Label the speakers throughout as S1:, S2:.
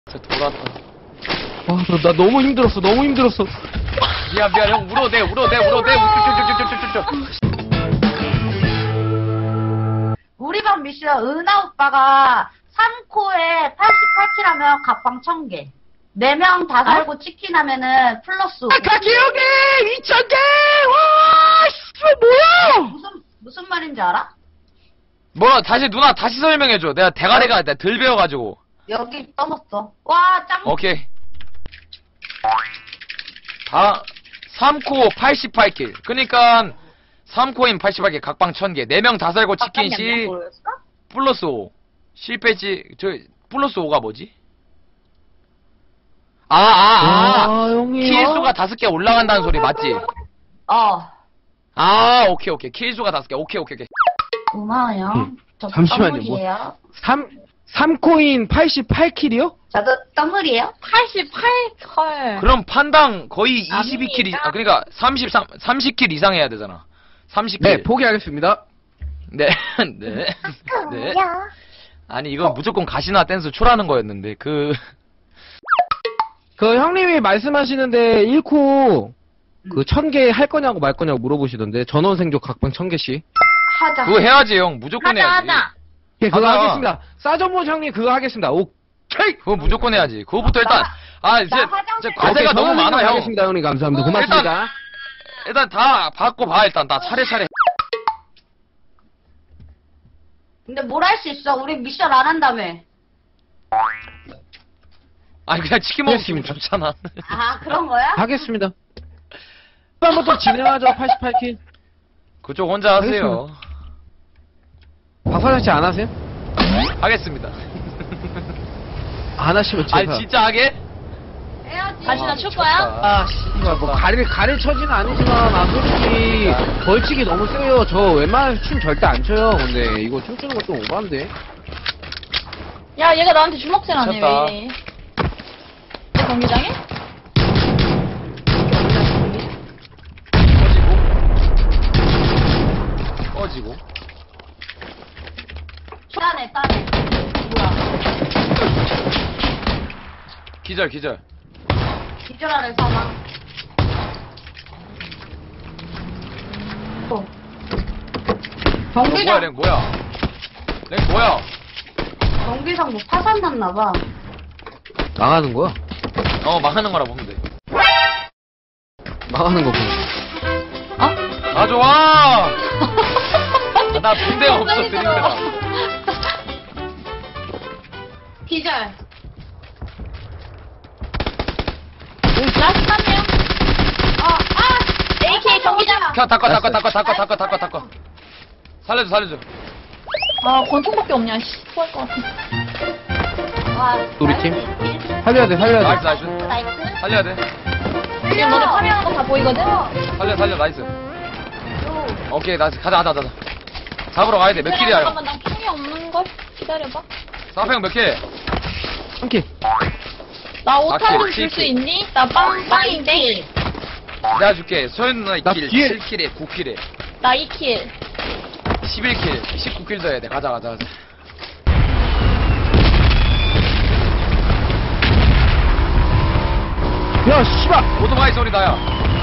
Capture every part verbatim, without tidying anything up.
S1: 진짜 돌았다.
S2: 와, 나, 나 너무 힘들었어, 너무 힘들었어.
S1: 미안 미안 형 울어대 울어대 울어대 쭉쭉쭉쭉쭉쭉.
S3: 우리 반 미션 은하 오빠가 삼 코에 팔십팔 킬하면 각방 천 개. 네 명 다 살고 치킨 하면은 플러스.
S2: 아, 가기형님! 이천 개! 와, 씨발, 뭐야!
S3: 무슨, 무슨 말인지 알아?
S1: 뭐 다시 누나 다시 설명해줘. 내가 대가리가 내가 덜 배워가지고.
S3: 여기 떠먹어. 와, 짱.
S1: 오케이. 다 삼 코 팔십팔 킬. 그니까 삼 코인 팔십팔 킬 각방 천 개. 네 명 다 살고 치킨 시 플러스 오. 실패지 저 플러스 오가 뭐지? 아, 아, 아.
S2: 아, 형님.
S1: 킬수가 다섯 개 올라간다는 소리 맞지?
S3: 어.
S1: 아, 오케이, 오케이. 킬수가 다섯 개. 오케이, 오케이, 오케이.
S3: 고마워요.
S2: 음,
S3: 저
S2: 잠시만요,
S3: 떠물이에요.
S2: 삼, 삼 코인 팔십팔 킬이요?
S3: 저도 떠물이에요.
S4: 팔십팔 컬.
S1: 그럼 판당 거의 이십이 킬, 이,
S4: 아닙니다.
S1: 아, 그러니까 삼십삼, 삼십 킬 이상 해야 되잖아. 삼십 킬.
S2: 네, 포기하겠습니다.
S1: 네, 네. 네. 아니, 이건 무조건 가시나 댄스 초라는 거였는데, 그,
S2: 그 형님이 말씀하시는데 일 코 그 천 개 할 거냐고 말 거냐고 물어보시던데 전원 생존 각방 천 개씩.
S3: 하자.
S1: 그거 해야지, 형. 무조건
S4: 하자,
S1: 해야지.
S4: 하자.
S2: 예, 그거
S1: 하자.
S2: 하겠습니다. 싸전모 형님 그거 하겠습니다. 오케이.
S1: 그거 무조건 해야지. 그거부터 일단, 아, 이제,
S3: 나 화장실
S1: 이제 과제가
S2: 오케이,
S1: 너무
S2: 전원
S1: 많아,
S2: 생존
S1: 형.
S2: 하겠습니다, 형님. 감사합니다.
S1: 어,
S2: 고맙습니다.
S1: 일단 다 받고 봐, 일단. 다 차례차례.
S3: 근데 뭘 할 수 있어? 우리 미션 안 한다며.
S1: 아니, 그냥 치킨 먹으면 기분 좋잖아.
S3: 아, 그런 거야?
S2: 하겠습니다. 한번더 진행하죠. 팔십팔 킬.
S1: 그쪽 혼자 하세요.
S2: 박사장 씨 안 하세요?
S1: 하겠습니다.
S2: 안 하시면 제가.
S1: 아니, 진짜 하게?
S3: 해야지.
S4: 다시 나 출 거야?
S1: 아, 씨발,
S2: 뭐 가릴 가릴 처지는 아니지만 아 솔직히 벌칙이 너무 세요. 저 웬만해서 춤 절대 안 춰요. 근데 이거 춤추는 거 좀 오버한데.
S4: 야, 얘가 나한테 주먹질하네,
S1: 미쳤다.
S4: 왜 이래. 내 경기장에?
S1: 꺼지고. 꺼지고.
S3: 따네, 따네. 뭐야.
S1: 기절, 기절.
S3: 기절하는 사망. 어.
S1: 너 뭐야,
S3: 경기장,
S1: 랭 뭐야? 랭 뭐야?
S3: 경기장 뭐 파산 났나봐.
S2: 망하는 거야?
S1: 어, 망하는 거라 보면 돼.
S2: 망하는 거 보면.
S4: 어?
S1: 아, 좋아! 아, 나 군대가 없어, 드림대가.
S3: 기절.
S4: 라스트 한 명.
S3: 어, 아!
S4: 에이케이 경기장.
S1: 켜, 닦아, 닦아, 닦아, 닦아, 닦아, 닦아, 닦아. 살려줘, 살려줘.
S4: 아, 권총밖에 없냐, 씨. 토할 것 같아.
S3: 와,
S2: 우리
S3: 나이스.
S2: 팀? 살려야 돼, 살려야
S1: 나이스,
S2: 돼.
S1: 나이스.
S3: 나이스.
S1: 살려야 돼.
S4: 지금 너네 파밍하는 거 다 보이거든?
S1: 살려, 살려, 나이스. 오케이, 나이스. 가자, 가자, 가자. 잡으러 가야 돼. 몇 킬이야, 형?
S4: 잠깐만, 난 총이 없는걸? 기다려봐.
S1: 사평 몇 킬?
S2: 한 킬.
S4: 나
S1: 아,
S4: 오탄 좀
S1: 킬,
S4: 줄 수
S1: 킬.
S4: 있니? 나 빵, 빵인데?
S1: 내가 줄게. 소연 누나
S2: 나
S1: 킬,
S2: 뒤에-
S1: 칠 킬에 구 킬에
S4: 나 이 킬.
S1: 십일 킬, 십구 킬 더 해야 돼. 가자, 가자, 가자.
S2: 야, 씨발!
S1: 오토바이 소리 나야.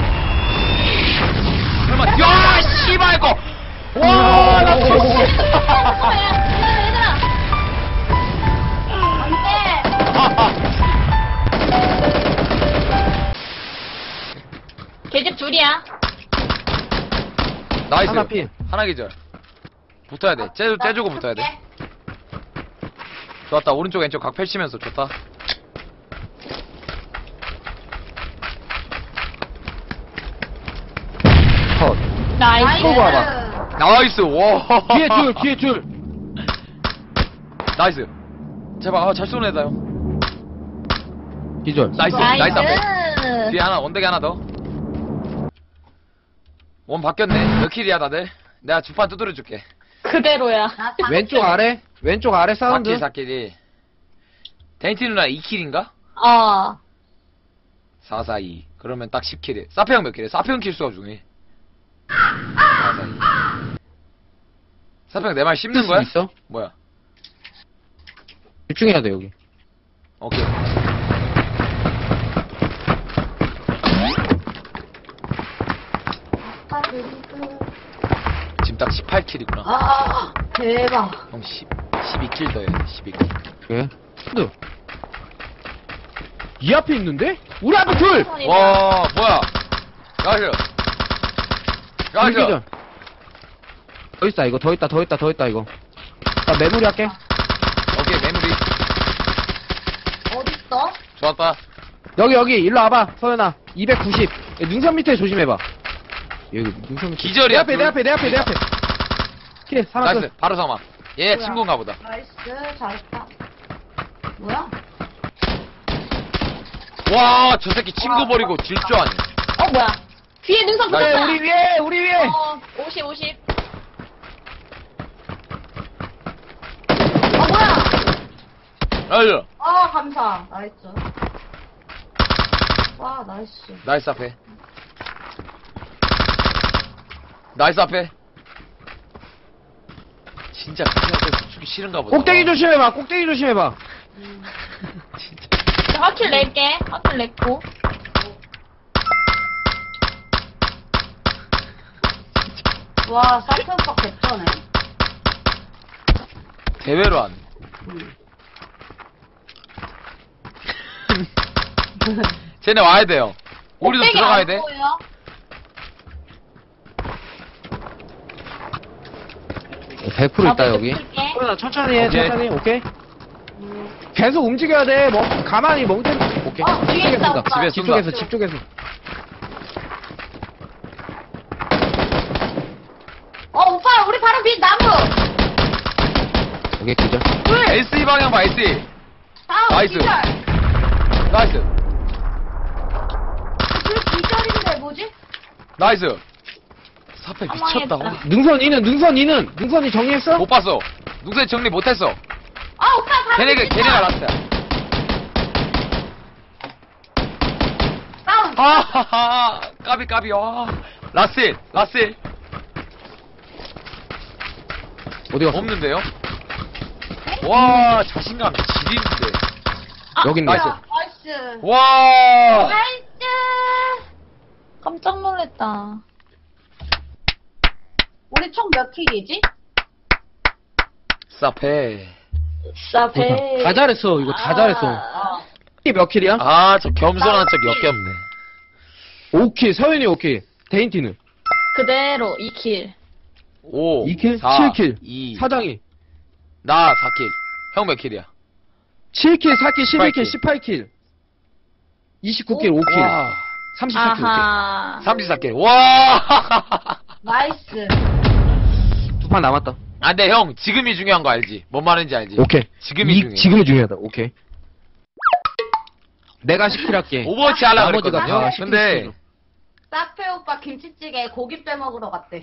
S1: 설마, 야, 씨발, 이거! 와, 나 진짜.
S4: 얘들아, 얘들아.
S3: 안 돼.
S4: 계집 둘이야.
S1: 나이스.
S2: 하나 필.
S1: 하나 기절. 붙어야 돼. 째주, 째주고 붙어야 돼. 좋았다. 오른쪽, 왼쪽 각 펼치면서 좋다.
S2: 컷.
S4: 나이스.
S2: 또 봐봐.
S1: 나이스. 와.
S2: 뒤에 줄, 뒤에 줄.
S1: 나이스. 제발, 아, 잘 쏘는 애다, 형.
S2: 기절.
S1: 나이스. 나이스. 앞에.
S4: 나이스.
S1: 뒤에 하나, 원대기 하나 더. 원 바뀌었네. 몇 킬이야, 다들? 내가 주판 두드려 줄게.
S4: 그대로야.
S3: 나 사-
S2: 왼쪽 아래, 왼쪽 아래
S1: 사
S2: 사운드.
S1: 킬, 사 킬이. 데이티 누나 이 킬인가?
S4: 어.
S1: 사, 사, 이. 그러면 딱 십 킬이야. 사페형 몇 킬이야? 사페형 킬수가 중요해. 사, 사, 이. 사페형 내 말 씹는 거야?
S2: 있어?
S1: 뭐야?
S2: 집중해야 돼, 여기.
S1: 오케이. 딱 십팔 킬이구나.
S3: 아, 대박.
S1: 형 십, 십이 킬 더 해야 돼, 십이 킬.
S2: 예? 근데 이 앞에 있는데? 우리 앞에 둘!
S1: 와, 뭐야. 나이스. 나이스.
S2: 불기전. 더 있다 이거 더 있다 더 있다 더 있다 이거. 나 메모리 할게.
S1: 오케이, 메모리.
S3: 어딨어?
S1: 좋았다.
S2: 여기 여기 일로 와봐 서연아. 이백구십. 야, 능선 밑에 조심해봐. 여기 능선 밑에.
S1: 기절이야,
S2: 내 앞에 내
S1: 둘.
S2: 앞에 내 앞에 내 앞에. 킬 하나
S1: 나이스.
S2: 끝.
S1: 바로 삼아. 얘
S3: 뭐야?
S1: 친구인가 보다.
S3: 나이스, 잘했다. 뭐야?
S1: 와, 저 새끼 친구 버리고 질 줄 아네.
S4: 어, 뭐야. 뒤에 능선
S1: 나이스.
S4: 붙었다.
S2: 우리 위에 우리 위에.
S4: 어, 오십, 오십.
S3: 어, 뭐야?
S1: 나이스.
S3: 아, 감사. 나이스. 와, 나이스.
S1: 나이스 앞에. 나이스 앞에. 진짜 그냥 주기 싫은가 보다.
S2: 꼭대기 조심해봐 꼭대기 조심해봐.
S1: 진짜.
S4: 자, 하킬 낼게. 하킬 냈고.
S3: 와, 사이트 오빠 개쩌네.
S1: 대회로 안. 쟤네 와야 돼요. 우리도
S4: 꼭대기
S1: 들어가야
S4: 안
S1: 돼.
S4: 보여.
S2: 백 퍼센트 있다
S4: 나도
S2: 여기.
S4: 붙을게.
S2: 서연아 천천히 해
S1: 오케이.
S2: 천천히 오케이. 계속 움직여야 돼. 뭐 가만히 멍청. 오케이.
S3: 어, 뒤에
S2: 집쪽에서
S3: 있다,
S2: 쏜다.
S3: 오빠.
S1: 집에
S2: 집
S1: 쏜다.
S2: 쪽에서 집 쪽에서.
S3: 어, 오빠, 우리 바로 밑 나무!
S2: 오케이 기절.
S1: 에스이 방향 봐, 에스이.
S3: 다음,
S1: 나이스.
S3: 기절.
S1: 나이스.
S3: 그 기절인데, 뭐지?
S1: 나이스. 사패
S4: 사망했다.
S1: 미쳤다.
S2: 능선 이는 능선 이는 능선이 정리했어?
S1: 못 봤어. 누구세 정리 못했어.
S3: 아, 오빠, 바로
S1: 걔네가,
S3: 밑
S1: 걔네가
S3: 있다.
S1: 라스트야.
S3: 다운.
S1: 아하하. 까비, 까비, 와. 라스일, 라스일.
S2: 어디 갔어?
S1: 없는데요? 와, 자신감 지리는데.
S2: 여기 있네.
S1: 나이스.
S3: 나이스.
S1: 와.
S3: 나이스.
S4: 깜짝 놀랐다.
S3: 우리 총 몇 킬이지?
S1: 사패.
S4: 싸배.
S2: 다 잘했어. 이거 다 잘했어.
S3: 어.
S2: 이게 몇 킬이야?
S1: 아, 저 겸손한 척 역겹네.
S2: 오 킬. 서윤이 오 킬. 데인티는
S4: 그대로 이 킬.
S1: 오.
S2: 이 킬?
S1: 사,
S2: 칠 킬.
S1: 이.
S2: 사장이
S1: 나 사 킬. 형 몇 킬이야?
S2: 칠 킬, 사 킬, 십일 킬,
S1: 십팔 킬.
S2: 십팔 킬. 이십구 킬, 오 킬.
S1: 와.
S2: 삼십사 킬, 오
S4: 아하.
S1: 삼십사 킬. 와.
S3: 나이스.
S2: 킬. 두 판 남았다.
S1: 아, 근데 형, 지금이 중요한 거 알지? 뭔 말인지 알지?
S2: 오케이.
S1: 지금이
S2: 이,
S1: 중요해.
S2: 지금이 중요하다. 오케이. 내가 십 킬 할게.
S1: 오버워치 하려고
S2: 나머지가
S1: 그랬거든요.
S2: 다 시킬 수
S1: 근데,
S2: 있어.
S3: 사페 오빠 김치찌개 고기 빼먹으러 갔대.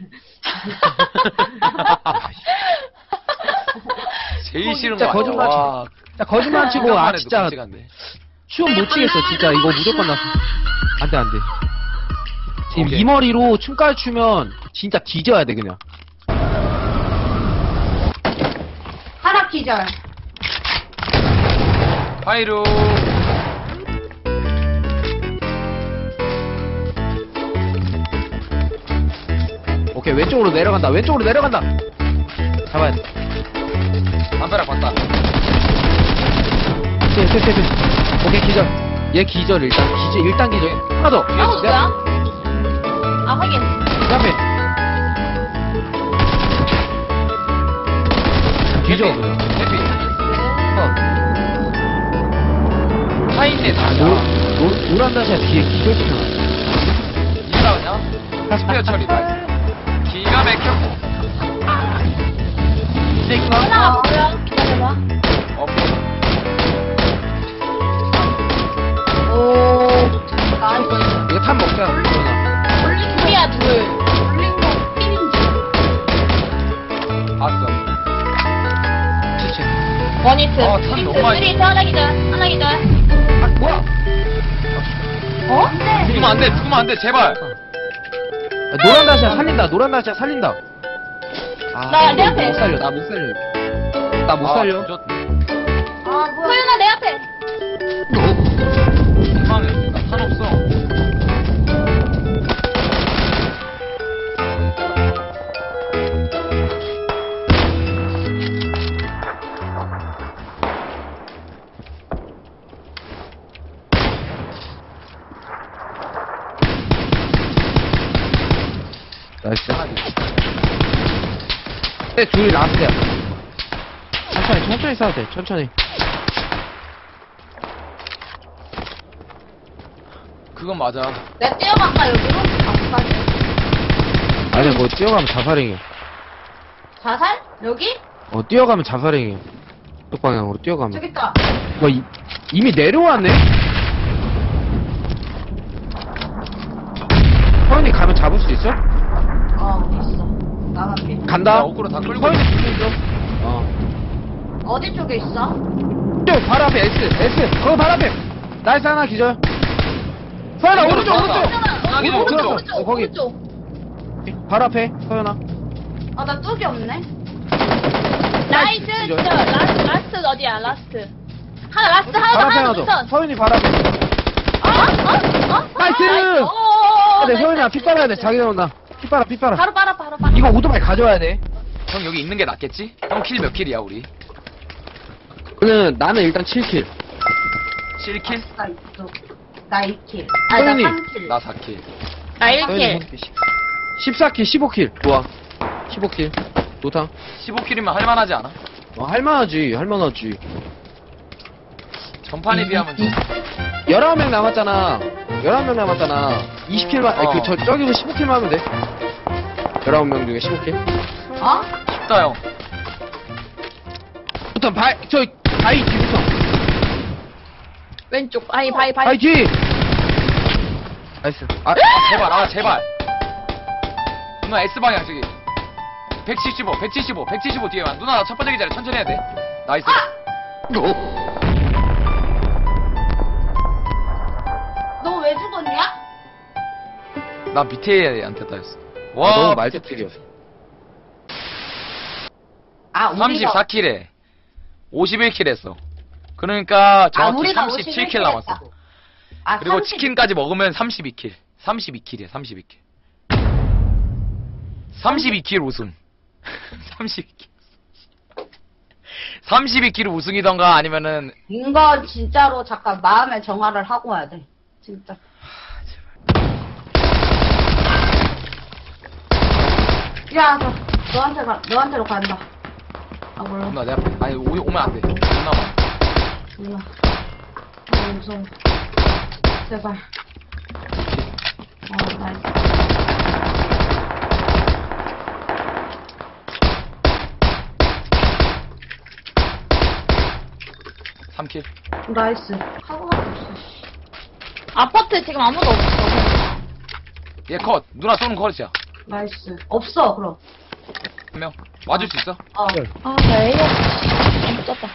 S1: 제일 싫은
S2: 진짜
S1: 거 같아.
S2: 거짓말
S1: 와.
S2: 자, 거짓말 치고, 아,
S1: 생각만 해도
S2: 진짜,
S1: 끔찍한데.
S2: 춤 못 추겠어, 진짜. 이거 무조건 나. 안 돼, 안 돼. 지금
S1: 오케이.
S2: 이 머리로 춤까지 추면, 진짜 뒤져야 돼, 그냥.
S3: 하나 기절.
S1: 파이루.
S2: 오케이, 왼쪽으로 내려간다. 왼쪽으로 내려간다. 잡아야 돼.
S1: 담벼락 봤다.
S2: 네, 네, 네, 네. 오케이, 기절. 얘 기절, 일단. 기절, 일단 기절. 하나 더.
S1: 뒤에
S4: 아,
S1: 또
S4: 뭐야? 아, 확인.
S2: 그 앞에. 기절.
S1: 해피. 해피.
S2: 어.
S1: 파인네 다.
S2: 노, 노, 노란 다시야 뒤에 기절 시켜.
S1: 이라 그냥. 스페어 처리 다. 기가 막혀.
S4: 하나 뭐야? 기다려봐.
S1: 오케이.
S3: 오. 나이스.
S2: 이거 탄 먹자. 서연아.
S3: 올린
S4: 둘이야, 둘.
S3: 올린 거 필인지.
S1: 봤어.
S2: 치치.
S4: 원히트.
S1: 아, 참 너무 많이-
S4: 쓰리, 하나 기절. 하나 기절.
S2: 아, 뭐야?
S3: 어? 네.
S1: 죽으면 안 돼, 죽으면 안 돼, 제발.
S2: 아, 노란 다시야 살린다. 노란 다시야 살린다. 아,
S4: 나, 내 앞에.
S2: 못 살려. 나 못 살려. 나 못
S1: 아,
S2: 살려.
S1: 저,
S3: 아, 뭐야.
S4: 소연아, 내 앞에.
S1: 희망해. 나탄 없어.
S2: 나이스.
S1: 하나 더.
S2: 네, 둘이 라스트야. 천천히, 천천히 싸도 돼, 천천히.
S1: 그건 맞아.
S3: 내가 뛰어갈까, 여기로? 앞까지?
S2: 아니, 뭐, 뛰어가면 자살행이야.
S3: 자살? 여기?
S2: 어, 뛰어가면 자살행이야. 쪽 방향으로 뛰어가면.
S3: 저기 있다.
S2: 뭐, 이, 이미 내려왔네? 서현이 가면 잡을 수 있어?
S3: 어, 있어. 나만 피.
S2: 간다.
S1: 야, 어그로 다 끌고
S2: 서현이
S1: 있어.
S2: 뒤로 좀. 어.
S3: 어디 쪽에 있어?
S2: 저, 바로 앞에, S, S. 거기 바로 앞에. 나이스 하나 기절. 서현아, 오른쪽, 오른쪽.
S1: 하나 기절,
S2: 오른쪽.
S1: 오른쪽.
S2: 어, 거기.
S4: 오른쪽.
S2: 바로 앞에, 서현아.
S3: 아, 나 뚝이 없네.
S4: 나이스,
S2: 기절.
S4: 저, 라스트, 라스트 어디야, 라스트. 하나, 라스트, 하나,
S2: 바로 앞에
S4: 하나,
S2: 하나
S4: 더,
S2: 더.
S4: 우선.
S2: 서현이 바로 앞에.
S4: 어? 어? 어?
S2: 나이스!
S4: 어,
S2: 네,
S4: 나이스,
S2: 서현아, 피
S4: 나이스,
S2: 빨아야 돼.
S4: 나이스.
S2: 자기 나온다. 피 빨아, 피 빨아.
S4: 바로 빨아, 바로 빨아.
S2: 이거 오토바이 가져와야 돼.
S1: 형 여기 있는 게 낫겠지? 형 킬 몇 킬이야 우리?
S2: 그는 나는 일단 칠 킬.
S1: 칠 킬?
S3: 나 이쪽. 나 이 킬. 아, 나
S2: 서윤이.
S3: 삼 킬.
S1: 나 사 킬.
S4: 나 일 킬.
S2: 십사 킬, 십오 킬. 좋아. 십오 킬. 좋다.
S1: 십오 킬이면 할만하지 않아?
S2: 어, 할만하지, 할만하지.
S1: 전판에 비하면 좀.
S2: 열아홉 명 남았잖아. 열아홉 명 남았잖아. 이십 킬만, 아니,
S1: 어.
S2: 그, 저, 저기로 십오 킬만 하면 돼. 열아홉 명 중에 십오 킬.
S3: 어?
S1: 쉽다 형.
S2: 일단, 바이, 저, 바이 뒤부터.
S4: 왼쪽. 바이, 바이, 바이.
S2: 바이 뒤! 나이스. 아,
S1: 아, 제발, 아, 제발. 누나 S방향, 저기. 백칠십오, 백칠십오, 백칠십오 뒤에만. 누나, 나 첫 번째 기자리 천천히 해야 돼. 나이스.
S3: 너 왜 죽었냐?
S1: 나 밑에 애한테 따였어.
S2: 아,
S1: 와,
S2: 너무 말대필이었어.
S3: 아, 우리가.
S1: 삼십사 킬에 오십일 킬 했어. 그러니까
S3: 아,
S1: 정확히
S3: 우리가
S1: 삼십칠 킬
S3: 오십일 킬
S1: 남았어.
S3: 했다. 아,
S1: 그리고
S3: 삼십
S1: 치킨까지 먹으면 삼십이 킬. 삼십이 킬이야, 삼십이 킬. 삼십이 킬 우승. 삼십이 킬. 삼십이 킬 우승이던가 아니면은
S3: 이거 진짜로 잠깐 마음의 정화를 하고 와야 돼. 진짜. 야, 너, 너한테 가, 너한테로 간다. 아, 몰라.
S1: 누나 내 앞에 아니 오, 오면 안 돼. 누나 와.
S3: 몰라. 아, 무서워. 제발. 어, 나이스.
S1: 삼 킬.
S3: 나이스. 하고가 없어.
S4: 아파트 지금 아무도 없어.
S1: 얘 컷. 누나 쏘는 컷이야.
S3: 나이스. 없어, 그럼.
S1: 한 명. 맞을 수 있어?
S3: 어.
S4: 아, 나 에이어. 못 잡다.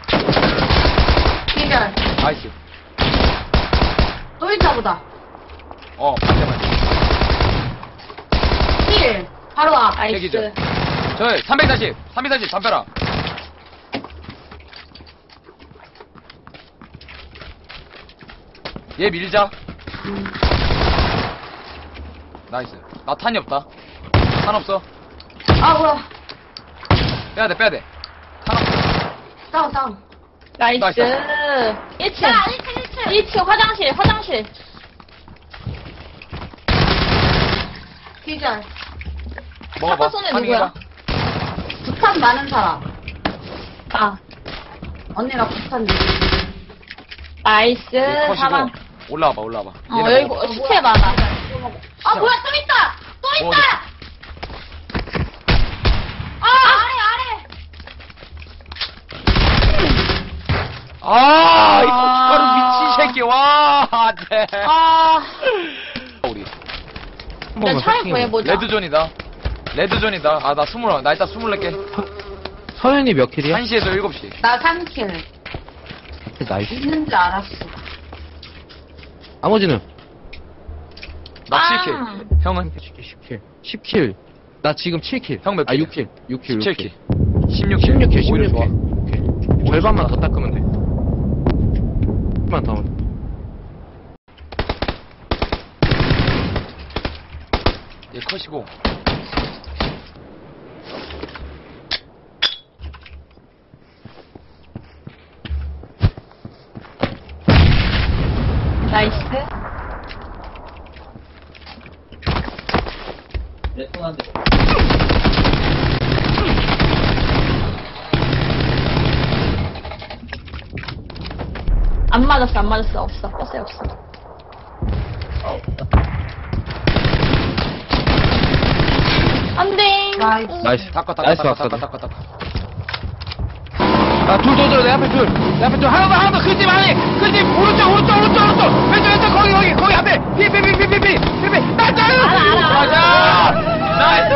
S3: 기절.
S1: 나이스.
S3: 또 있나 보다.
S1: 어, 반대만.
S3: 힐. 바로 앞.
S4: 나이스.
S1: 기절. 저 삼백사십, 삼백사십 담벼라. 얘 밀자.
S3: 음.
S1: 나이스. 나 탄이 없다. 탄 없어.
S3: 아, 뭐야.
S1: 빼야 돼, 빼야 돼. 탄 없어.
S3: 싸워, 싸워.
S4: 나이스.
S1: 나이스.
S4: 일 층.
S3: 야, 일 층, 일 층.
S4: 일 층 화장실, 화장실.
S3: 기절.
S1: 먹어봐.
S4: 아까 손에
S1: 탄이가.
S4: 누구야?
S3: 부탄 많은 사람.
S4: 아,
S3: 언니가 부탄.
S4: 나이스.
S1: 얘
S4: 사방.
S1: 컷이고. 올라와봐, 올라와봐.
S4: 어,
S1: 얘네
S4: 여기
S1: 먹어봐.
S4: 뭐, 시체 많아.
S3: 아, 뭐야, 또 있다! 또
S1: 뭐
S3: 있다! 아, 아래, 아래!
S1: 아, 이 고춧가루 미친 새끼. 와, 네.
S4: 아,
S1: 우리.
S2: 한
S4: 내
S2: 번만
S4: 차를
S2: 세팅해.
S4: 구해보자.
S1: 레드존이다. 레드존이다. 아, 나 스물, 나 일단 스물네 개.
S2: 서현이 몇 킬이야?
S1: 한 시에서 일곱 시.
S3: 나 삼 킬.
S2: 나이스.
S3: 있는 줄 알았어.
S2: 나머지는?
S1: 나
S4: 아.
S1: 칠 킬. 형은?
S2: 십 킬. 십 킬. 나 지금 칠 킬.
S1: 형몇
S2: 아,
S1: 킬이야?
S2: 육 킬. 육 킬.
S1: 십칠 킬. 십육 킬.
S2: 십육 킬,
S1: 오히려
S2: 십육
S1: 좋아.
S2: 킬. 오케이. 절반만 더 닦으면 돼. 절반 더. 하면 돼.
S1: 얘 컷이고.
S4: 나이스. 안 맞았어, 안 맞았어. 없어. 버스에 없어. 안 돼.
S3: 나이스.
S2: 나이스.
S1: 닦아, 닦아,
S2: 나이스
S1: 닦아,
S2: 왔어.
S1: 닦아, 닦아, 닦아.
S2: 아, 둘, 둘, 둘, 내 앞에 둘. 내 앞에 둘. 하나 더, 하나 더. 그 집 안에. 그 집, 오른쪽, 오른쪽, 오른쪽, 오른쪽. 왼쪽, 왼쪽, 거기, 거기, 거기 앞에. 피, 피, 피, 피, 피, 피, 피, 피. 나이스!
S4: 알아, 알아.
S1: 가자! 나이스!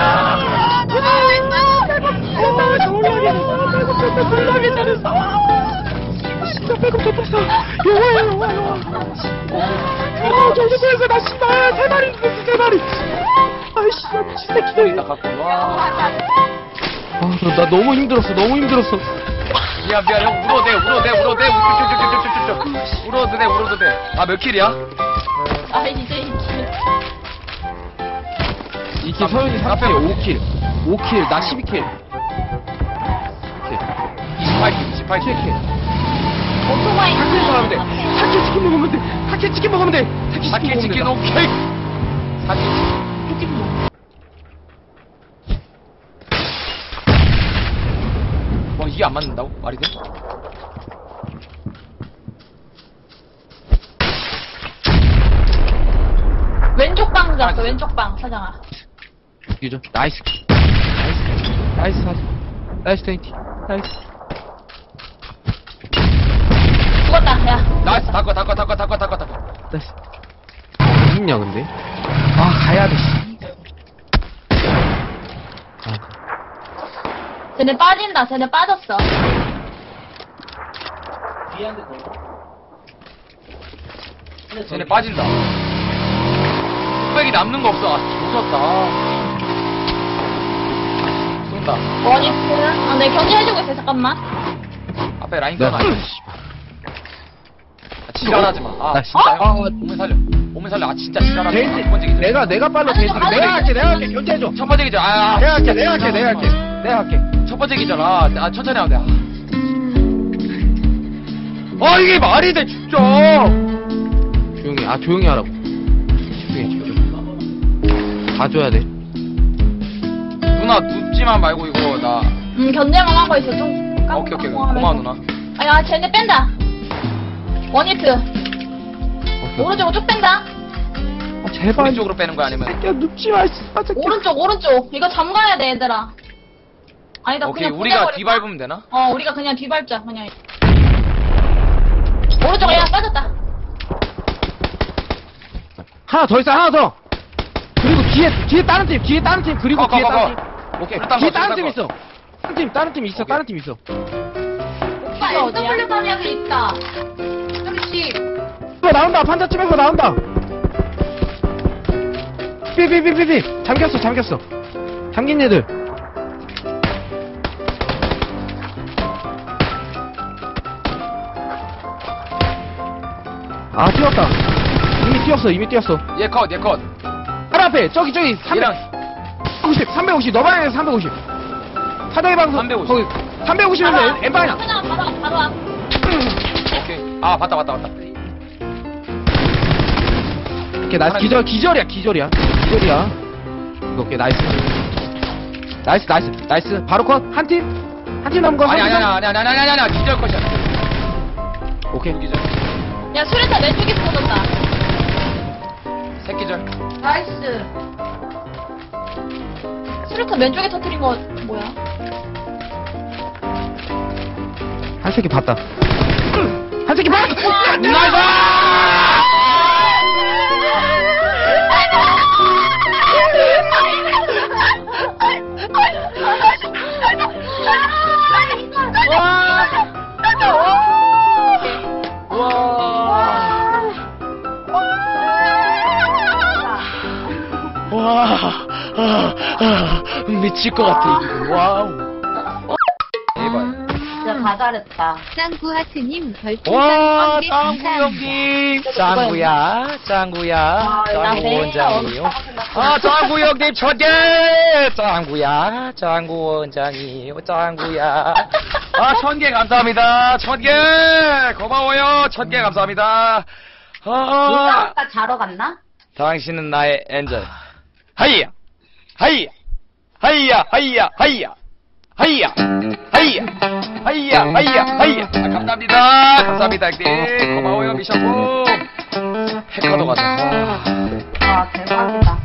S2: 놀라게 잘했어. 진짜 배급 줬어. 영화야, 영화, 영화. 아, 정신 차렸어. 나 씨발. 세 마리 죽였어, 세 마리. 아이씨, 미친 새끼들.
S1: 나 갖고 와.
S2: 아, 나, 나 너무 힘들었어, 너무 힘들었어.
S1: 미안, 미안, 형, 울어도 돼, 울어도 돼, 울어도 돼, 우쭈쭈쭈쭈쭈쭈. 울어도 돼, 울어도 돼. 아, 몇 킬이야?
S4: 아, 이제 이제.
S2: 이킬 서윤이 삼 킬, 오 킬. 오 킬, 나 십이 킬.
S1: 이십팔 킬, 이십팔 킬.
S2: 칠 킬.
S4: 오토바이.
S2: 사 킬 먹으면 돼. 사 킬 치킨 먹으면 돼. 사 킬 치킨 먹으면 돼. 사 킬
S1: 사킬 치킨 오케이. 사킬 치킨. 와, 이게 안 맞는다고? 말이 돼?
S4: 왼쪽 방 잡았어, 왼쪽 방, 사장아.
S2: 이죠. 나이스. 나이스. 나이스 사진. 나이스 트웬티. 나이스.
S4: 죽었다, 야.
S1: 나이스, 닦아, 닦아, 닦아, 닦아, 닦아, 닦아.
S2: 나이스. 어딨냐 근데? 아 가야 돼. 씨. 아,
S4: 쟤네 빠진다, 쟤네 빠졌어.
S1: 쟤네 빠진다. 흑백이 남는 거 없어. 아, 무섭다. 쏜다.
S4: 원히트. 아, 네, 견제해주고 있어, 잠깐만.
S1: 앞에 라인
S2: 나
S1: 껴놔. 아, 지랄하지 마. 아,
S2: 나
S1: 진짜.
S2: 아,
S1: 오면 살려. 오면 살려. 아, 진짜 지랄하지 마.
S2: 제일
S1: 두 번째 기절.
S2: 내가 내가 빨로
S4: 아니,
S2: 제일
S4: 아니,
S2: 내가
S4: 아니,
S2: 할게 내가 할게 견제해줘.
S1: 첫 번째 기절. 아, 아,
S2: 내가 할게
S1: 진짜
S2: 내가 할게 내가 할게 내가 할게.
S1: 첫 번째 기절. 아, 아 천천히 하면 돼. 아, 아 이게 말이 돼, 진짜.
S2: 조용히 아 조용히 하라고. 조용히 조용히. 봐줘야 돼.
S1: 누나, 눕지만 말고 이거, 나.
S4: 음, 견제만 하고 있어, 좀.
S1: 오케이, 오케이. 고마워, 누나.
S4: 아, 야, 쟤네 뺀다. 원히트.
S2: 오케이.
S4: 오른쪽으로 쭉 뺀다.
S2: 아, 제발.
S1: 오른쪽으로 빼는 거야, 아니면?
S2: 새끼야 눕지 마. 씨. 아, 새끼야.
S4: 오른쪽, 오른쪽. 이거 잠가야 돼, 얘들아. 아니다,
S1: 오케이,
S4: 그냥
S1: 우리가
S4: 보내버릴까?
S1: 뒤밟으면 되나?
S4: 어, 우리가 그냥 뒤밟자, 그냥. 오른쪽, 야, 빠졌다.
S2: 하나 더 있어 하나 더. 그리고 뒤에 뒤에 다른 팀 뒤에 다른 팀 그리고
S1: 거, 거,
S2: 뒤에
S1: 거,
S2: 다른
S1: 거.
S2: 팀. 오케이.
S1: 일단
S2: 뒤에
S1: 거,
S2: 다른
S1: 일단
S2: 팀
S1: 거.
S2: 있어. 다른 팀 다른 팀 있어.
S1: 오케이.
S2: 다른 팀 있어.
S3: 오빠
S4: 이거 어디야?
S3: 에스더블유 방향에 있다. 저기 씨.
S2: 이거 나온다. 판자집에서 나온다. 삐삐삐삐삐. 잠겼어 잠겼어. 잠긴 애들. 아 뛰었다. 이미 뛰었어 이미 뛰었어.
S1: 얘 컷, 얘 컷.
S2: 하나 앞에 저기 저기
S1: 얘랑
S2: 삼백오십 삼백오십 너 방향에서 삼백오십. 사다리 방송
S1: 삼백오십.
S2: 거기 삼백오십이면 엠 방향.
S4: 그냥 바로, 와, 바로 와.
S1: 오케이. 아, 봤다, 봤다, 봤다.
S2: 오케이 나이스 기절 기절이야 기절이야 기절이야. 이거 오케이 나이스. 나이스 나이스 나이스 바로 컷 한 팀 한 팀 남은 거.
S1: 아니,
S2: 한
S1: 아니,
S2: 팀
S1: 아니, 아니, 아니, 아니, 아니, 아니, 기절 컷이야.
S2: 남은- 오케이.
S1: 두 기절.
S4: 야, 수류탄 왼쪽에 쏟았다.
S1: 새 기절.
S3: 나이스.
S4: 수류탄 왼쪽에 터뜨린 거, 뭐야?
S2: 한 새끼 봤다. 한 새끼 봤다.
S1: 나이스! 와, 아, 아, 미칠 것 같아, 이거. 와우. 대박.
S3: 진짜 다 잘했다.
S5: 짱구하트님
S1: 와,
S5: 별풍선 번개
S1: 짱구
S5: 감사합니다.
S1: 형님. 짱구야, 짱구야.
S4: 아,
S1: 짱구
S4: 나
S1: 원장이요. 아, 짱구 형님 천 개. 짱구야, 짱구 원장이요. 짱구야. 아, 천 개 감사합니다. 천 개. 고마워요. 천 개 감사합니다. 아,
S3: 누가 아까 자러 갔나?
S1: 당신은 나의 엔젤. 하이야. 하이야 하이야 하이야 하이야 하이야 하이야 하이야 하이야 하이야. 아, 감사합니다. 감사합니다 형님. 고마워요 미션풍. 해커도 가자.
S3: 와, 대박이다.